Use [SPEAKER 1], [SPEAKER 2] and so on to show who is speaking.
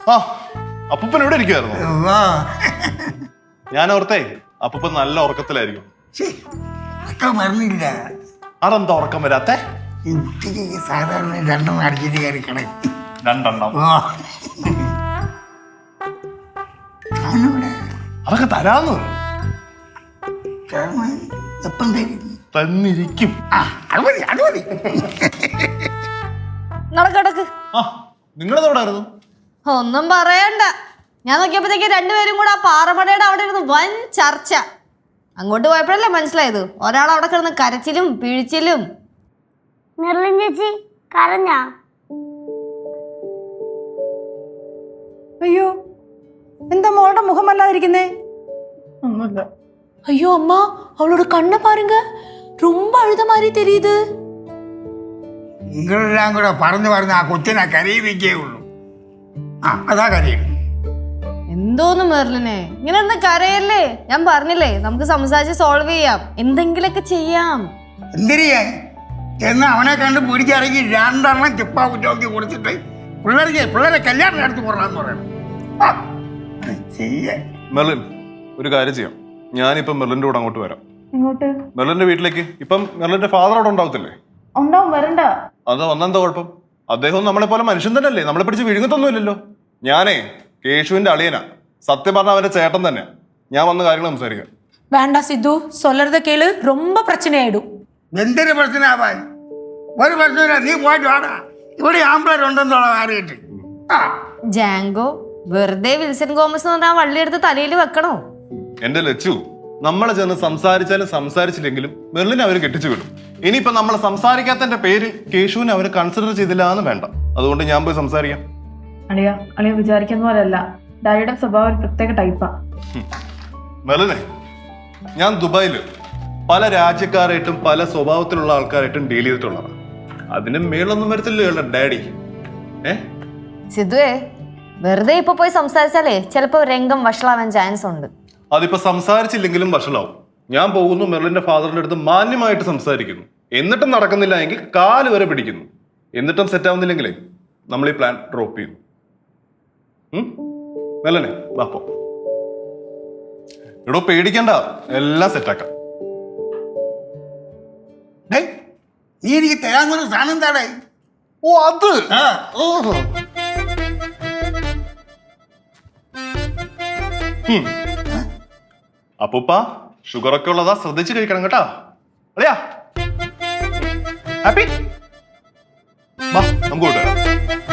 [SPEAKER 1] ആ അപ്പൂപ്പൻ ഇവിടെ ഇരിക്കുവായിരുന്നു. ഞാൻ ഓർത്തേ അപ്പൂപ്പൻ നല്ല ഉറക്കത്തിലായിരിക്കും.
[SPEAKER 2] മറന്നില്ല.
[SPEAKER 1] അതെന്താ ഉറക്കം വരാത്തെ?
[SPEAKER 2] ഉച്ചയ്ക്ക് സാധാരണ 2 അടിച്ചിട്ട് കയറി കിടക്കും.
[SPEAKER 1] 2 അതൊക്കെ തരാന്ന്
[SPEAKER 2] എപ്പം തരും?
[SPEAKER 1] തന്നിരിക്കും.
[SPEAKER 2] അത് മതി.
[SPEAKER 3] നടക്കടക്ക്.
[SPEAKER 1] ആ നിങ്ങളെവിടായിരുന്നു?
[SPEAKER 3] ഒന്നും പറയണ്ട. ഞാൻ നോക്കിയപ്പോഴത്തേക്ക് രണ്ടുപേരും കൂടെ ആ പാറമടയുടെ അവിടെ ഇരുന്ന് വൻ ചർച്ച. അങ്ങോട്ട് പോയപ്പോഴല്ലേ മനസ്സിലായത് ഒരാൾ അവിടെ കിടന്ന് കരച്ചിലും പിഴിച്ചിലും.
[SPEAKER 4] മെർലിൻ ചേച്ചി കരഞ്ഞാ?
[SPEAKER 5] അയ്യോ, എന്താ മോളുടെ മുഖമല്ലാതിരിക്കുന്നേ?
[SPEAKER 1] ഒന്നുമില്ല.
[SPEAKER 6] ஐயோ அம்மா, அவளோட கண்ணை பாருங்க, ரொம்ப அழுத மாதிரி தெரியுது.
[SPEAKER 2] നിങ്ങളെല്ലാം കൂടെ പറഞ്ഞു ആ കൊച്ചിനെ കരയിപ്പിക്കേ ഉള്ളൂ. അതാ കരയും.
[SPEAKER 3] എന്തോന്ന് മെർലിനെ ഇങ്ങനെ ഒന്ന് കരയല്ലേ? ഞാൻ പറഞ്ഞില്ലേ നമുക്ക് സംസാരിച്ച് സോൾവ് ചെയ്യാം, എന്തെങ്കിലൊക്കെ ചെയ്യാം.
[SPEAKER 2] എന്തിരിയേ എന്ന് അവനെ കണ്ട് പിടിച്ചിറങ്ങി 2 ചിപ്പാ കുറ്റോക്കി കൊടുത്തിട്ട് പിള്ളേരെ കല്യാണം നടത്തി പോറാന്ന് പറയണം.
[SPEAKER 1] മെർലിൻ ഒരു കാര്യം ചെയ്യാം, ഞാനിപ്പം മെർലിന്റെ കൂടെ അങ്ങോട്ട് വരാം.
[SPEAKER 5] ഇങ്ങോട്ട്?
[SPEAKER 1] മെർലിന്റെ വീട്ടിലേക്ക്. ഇപ്പം മെർലിന്റെ ഫാദർ അവിടെ ഉണ്ടാവത്തില്ലേ?
[SPEAKER 5] ഉണ്ടാവും, വരണ്ട.
[SPEAKER 1] അത് വന്നെന്താ കുഴപ്പം? അദ്ദേഹം നമ്മളെ പോലെ മനുഷ്യൻ തന്നെയല്ലേ, നമ്മളെ പിടിച്ച് വിഴുങ്ങത്തൊന്നുമില്ലല്ലോ. ഞാനേ കേശുവിന്റെ അളിയനാ, സത്യം പറഞ്ഞ അവന്റെ ചേട്ടൻ തന്നെ. ഞാൻ വന്ന കാര്യങ്ങൾ സംസാരിക്കാം.
[SPEAKER 6] வேண்டாம் சித்து, சொல்றத கேளு, ரொம்ப பிரச்சனை ஆயிடும்.
[SPEAKER 2] എന്തൊരു പ്രശ്നമാവാൻ? ഒരു പ്രശ്നമില്ല, നീ പോയിട്ട് വാടാ. ഇവിടെ ആമ്പിളരുണ്ടെന്നുള്ള അറിയിട്ട്.
[SPEAKER 3] ജാങ്കോ വെറുതെ വിൽസൺ ഗോമസ് എന്ന് പറഞ്ഞാൽ വള്ളി എടുത്ത് തലയിൽ വെക്കണോ?
[SPEAKER 1] എന്റെ ലച്ചു, നമ്മളെ ചെന്ന് സംസാരിച്ചാലും സംസാരിച്ചില്ലെങ്കിലും മെർലിനെ അവര് കെട്ടിച്ചു വിടും. ഇനിയിപ്പോ നമ്മളെ സംസാരിക്കാത്തതിന്റെ പേര് കേശുവിനെ അവര് കൺസിഡർ ചെയ്തില്ല എന്ന് വേണ്ട. അതുകൊണ്ട് ഞാൻ പോയി സംസാരിക്കാം.
[SPEAKER 5] അളിയ വിചാരിക്കുന്ന പോലെയല്ല, ഡാഡിയുടെ സ്വഭാവം ഒരു പ്രത്യേക ടൈപ്പാ.
[SPEAKER 1] മെർലിനെ, ഞാൻ ദുബായില് പല രാജ്യക്കാരായിട്ടും പല സ്വഭാവത്തിലുള്ള ആൾക്കാരായിട്ടും ഡീൽ ചെയ്തിട്ടുള്ളതാണ്. അതിന് മേളൊന്നും വരത്തില്ല ഡാഡി.
[SPEAKER 3] സിദ്ധുവേ, വെറുതെ ഇപ്പൊ പോയി സംസാരിച്ചാലേ ചിലപ്പോ രംഗം വഷളാവാൻ ചാൻസ് ഉണ്ട്.
[SPEAKER 1] അതിപ്പോ സംസാരിച്ചില്ലെങ്കിലും വഷളാവും. ഞാൻ പോകുന്നു, മെർലിന്റെ ഫാദറിന്റെ അടുത്ത് മാന്യമായിട്ട് സംസാരിക്കുന്നു. എന്നിട്ടും നടക്കുന്നില്ല എങ്കിൽ 4 വരെ പിടിക്കുന്നു. എന്നിട്ടും സെറ്റ് ആവുന്നില്ലെങ്കിലേ നമ്മൾ ഈ പ്ലാൻ ഡ്രോപ്പ് ചെയ്യുന്നു. മെർലിനെ വാപ്പോ. എടോ പേടിക്കണ്ട, എല്ലാം സെറ്റാക്കാം.
[SPEAKER 2] നീ എനിക്ക് തരാന്നൊരു സാധനം താടേ.
[SPEAKER 1] ഓ അത് അപ്പൂപ്പ ഷുഗറൊക്കെ ഉള്ളതാ, ശ്രദ്ധിച്ച് കഴിക്കണം കേട്ടാ. അളിയാ ഹാപ്പി, നമുക്ക് കൊണ്ടുവരാം.